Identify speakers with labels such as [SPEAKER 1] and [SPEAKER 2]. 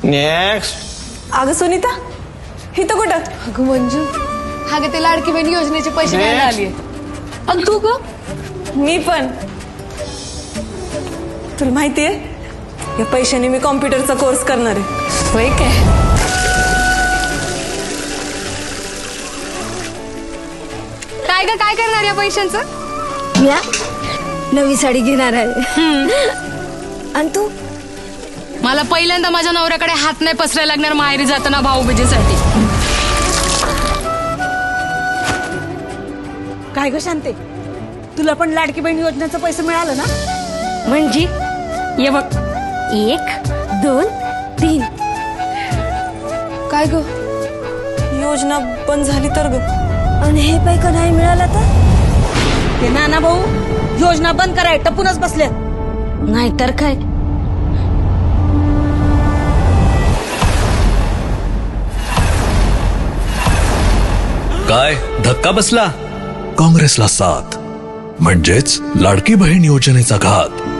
[SPEAKER 1] Next.
[SPEAKER 2] अगं सुनीता, इथं कुठं?
[SPEAKER 3] अगं मंजू, हा ग ते लाडकी बहीण योजनेचे पैसे घ्यायला आलीये. आणि तू ग?
[SPEAKER 2] मी पण. तुला माहितीये, या पैशाने मी कॉम्प्युटरचा कोर्स करणार आहे.
[SPEAKER 3] होय काय? काय ग, काय करणार या पैशांचं?
[SPEAKER 4] या नवी साडी घेणार आहे. आणि तू?
[SPEAKER 3] मला पहिल्यांदा माझ्या नवऱ्याकडे हात नाही पसरायला लागणार माहेरी जाताना भाऊबीजेसाठी.
[SPEAKER 4] काय ग शांते, तुला पण लाडकी बहीण योजनेचं पैसे मिळालं ना?
[SPEAKER 3] म्हणजे ये बघ,
[SPEAKER 4] 1 2 3.
[SPEAKER 3] काय ग?
[SPEAKER 2] योजना बंद झाली तर ग.
[SPEAKER 4] आणि हे पैका नाही मिळाला तर? ते नाना भाऊ योजना बंद कराय टपूनच बसले. नाहीतर काय.
[SPEAKER 5] काय धक्का बसला? काँग्रेसला साथ म्हणजेच लाडकी बहीण योजनेचा घात.